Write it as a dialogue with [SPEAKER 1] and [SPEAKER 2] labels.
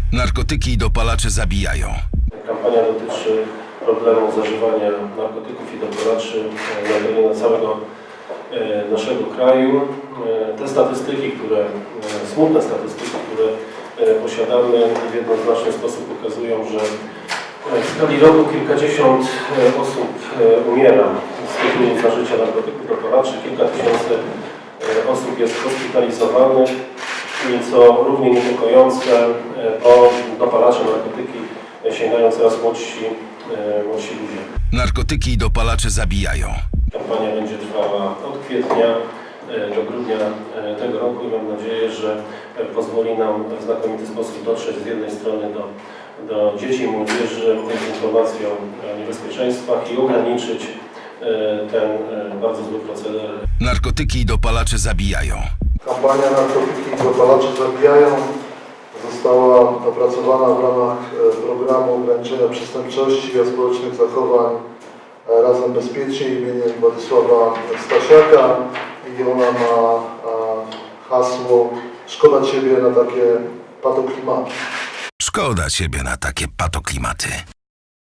[SPEAKER 1] Narkotyki i dopalacze zabijają.
[SPEAKER 2] Kampania dotyczy problemu zażywania narkotyków i dopalaczy na terenie całego naszego kraju. Te statystyki, smutne statystyki, które posiadamy, w jednoznaczny sposób pokazują, że w skali roku kilkadziesiąt osób umiera z tytułu zażycia narkotyków, dopalaczy, kilka tysięcy osób jest hospitalizowanych i co równie niepokojące, po dopalacze, narkotyki sięgają coraz młodsi ludzie.
[SPEAKER 1] Narkotyki i dopalacze zabijają.
[SPEAKER 2] Kampania będzie trwała od kwietnia do grudnia tego roku i mam nadzieję, że pozwoli nam w znakomity sposób dotrzeć z jednej strony do dzieci i młodzieży z informacją o niebezpieczeństwach i ograniczyć ten bardzo zły proceder.
[SPEAKER 1] Narkotyki i dopalacze zabijają.
[SPEAKER 3] Kampania Narkotyki i dopalacze zabijają została opracowana w ramach programu ograniczenia przestępczości i społecznych zachowań Razem Bezpiecznie imieniem Władysława Stasiaka i ona ma hasło "Szkoda Ciebie na takie patoklimaty".
[SPEAKER 1] Szkoda ciebie na takie patoklimaty.